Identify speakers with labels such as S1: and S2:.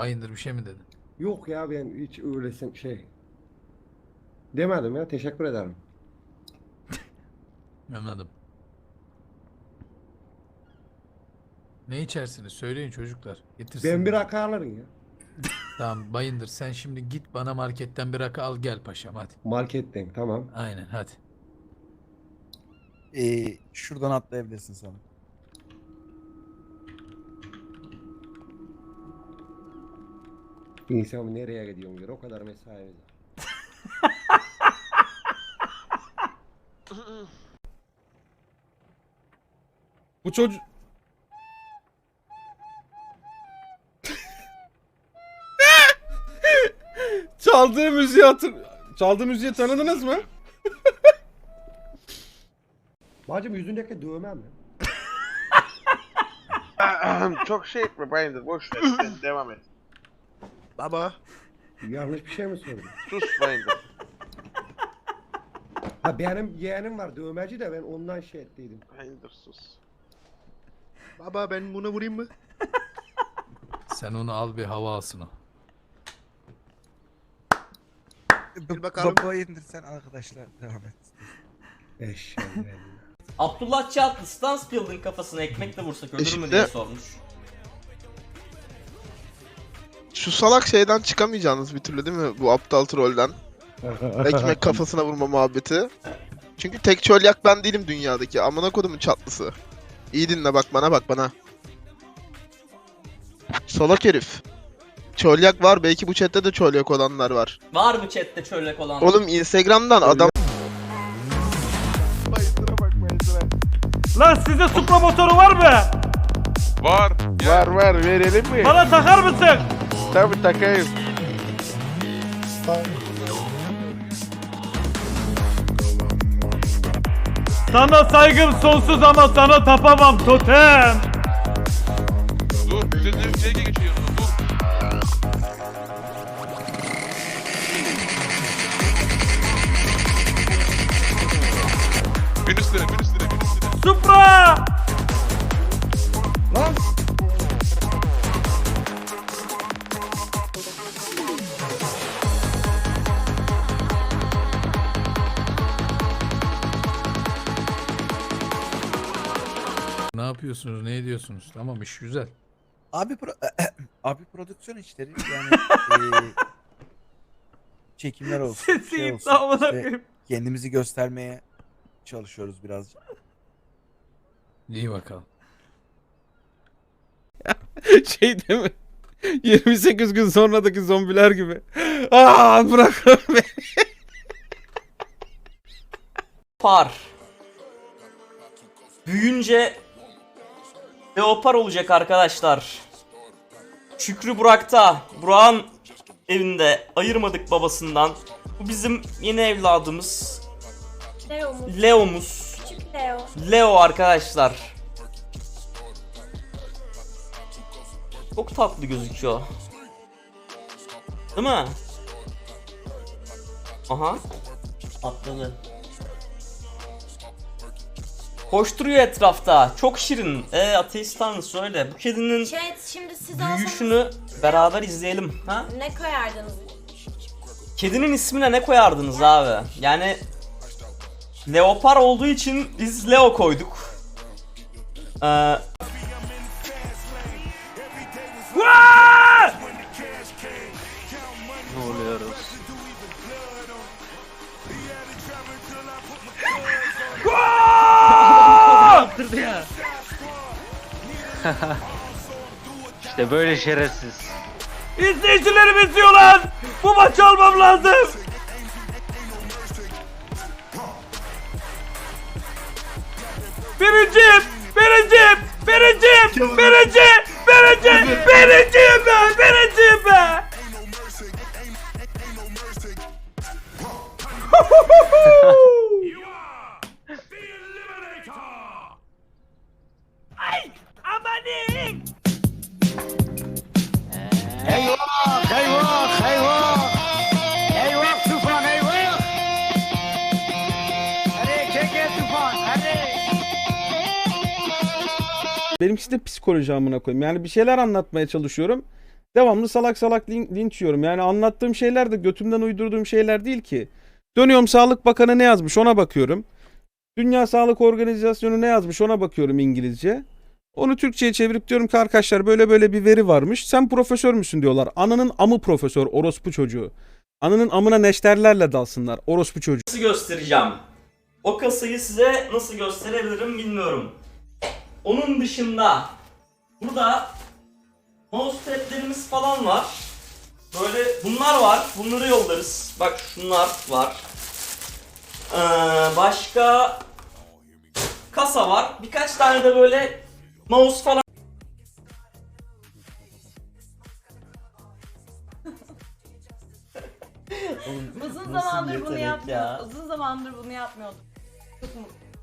S1: Bayındır bir şey mi dedin?
S2: Yok ya, ben hiç öylesin şey demedim ya, teşekkür ederim.
S1: Anladım. Ne içersiniz? Söyleyin çocuklar. Getirsinler.
S2: Ben bir rakı alırım ya.
S1: Tamam Bayındır, sen şimdi git bana marketten bir rakı al gel paşam hadi.
S2: Marketten, tamam.
S1: Aynen hadi.
S3: Şuradan atlayabilirsin sana.
S2: İnsan nereye gidiyorsun diyor, o kadar mesaimiz var.
S4: Bu çocuk... Çaldığı müziği tanıdınız mı?
S2: Bacım, yüzündeki dövme mi?
S5: Çok şey etme Bayındır, boş ver sen devam et.
S6: Baba.
S2: Yanlış bir şey mi söyledim?
S5: Sus Bayındır.
S2: Ha, benim yeğenim var dövmeci de, ben ondan şey ettiydim.
S5: Bayındır sus.
S6: Baba, ben buna vurayım mı?
S1: Sen onu al, bir hava alsın o.
S6: Bir bakalım.
S3: Baba indir sen, arkadaşlar devam et.
S2: Eşeğim.
S7: Abdullah Çatlı stance building kafasına ekmekle vursak ölür mü
S5: Şimdi-
S7: diye sormuş.
S5: Şu salak şeyden çıkamayacaksınız bir türlü değil mi? Bu aptal trollden. Ekmek kafasına vurma muhabbeti. Çünkü tek çölyak ben değilim dünyadaki. Amına kodumun çatlısı. İyi dinle, bak bana, bak bana. Salak herif. Çölyak var, belki bu chatte de çölyak olanlar var.
S7: Var mı chatte çöllek olan?
S5: Oğlum Instagram'dan adam... Bayındıra bak, Bayındıra.
S8: Lan sizde Supra motoru var mı?
S5: Var verelim mi?
S8: Bana takar mısın?
S5: Tabii takayım.
S8: Sana saygım sonsuz ama sana tapamam totem.
S9: Dur, bir şey geçiyor. Dur. Bin üstüne.
S8: Supra!
S2: Lan!
S1: Ne yapıyorsunuz? Ne ediyorsunuz? Tamam, iş güzel.
S3: Abi abi prodüksiyon işleri yani çekimler olsun.
S8: Sesi
S3: olsun.
S8: amına
S3: İşte
S8: koyayım.
S3: kendimizi göstermeye çalışıyoruz birazcık.
S1: İyi bakalım.
S4: Şey değil mi? 28 gün sonradaki zombiler gibi. Aa, bırak beni.
S7: Par. Büyüyünce leopar olacak arkadaşlar. Şükrü Burak'ta. Burak'ın evinde ayırmadık babasından. Bu bizim yeni evladımız.
S10: Leo'muz.
S7: Leo'muz.
S10: Küçük Leo.
S7: Leo arkadaşlar. Çok tatlı gözüküyor. Değil mi? Aha. Atladı. Koşturuyor etrafta. Çok şirin. Ateist tanrısı öyle. Bu kedinin
S10: Chat, şimdi siz
S7: büyüyüşünü beraber izleyelim. Ha?
S10: ne koyardınız?
S7: Kedinin ismine ne koyardınız abi? Yani leopar olduğu için biz Leo koyduk.
S6: Ne oluyoruz? Yaptırdı ya. İşte böyle şerefsiz.
S8: İzleyicilerim izliyor lan. Bu maçı almam lazım. Birinciyim be. Birinciyim be. Ay, amanin.
S4: Benimkisi de psikoloji amına koyayım. Yani bir şeyler anlatmaya çalışıyorum. Devamlı salak salak linç yiyorum. Yani anlattığım şeyler de götümden uydurduğum şeyler değil ki. Dönüyorum Sağlık Bakanı ne yazmış ona bakıyorum. Dünya Sağlık Organizasyonu ne yazmış ona bakıyorum İngilizce. Onu Türkçe'ye çevirip diyorum ki arkadaşlar böyle böyle bir veri varmış. Sen profesör müsün diyorlar. Ananın amı profesör orospu çocuğu. Ananın amına neşterlerle dalsınlar orospu çocuğu.
S7: Nasıl göstereceğim? O kasayı size nasıl gösterebilirim bilmiyorum. Onun dışında burada mousepad'lerimiz falan var. Böyle bunlar var. Bunları yollarız. Bak şunlar var. Başka kasa var. Birkaç tane de böyle mouse falan.
S10: Uzun zamandır bunu yapmıyordum. Uzun zamandır bunu yapmıyordum. Çok mutluyum.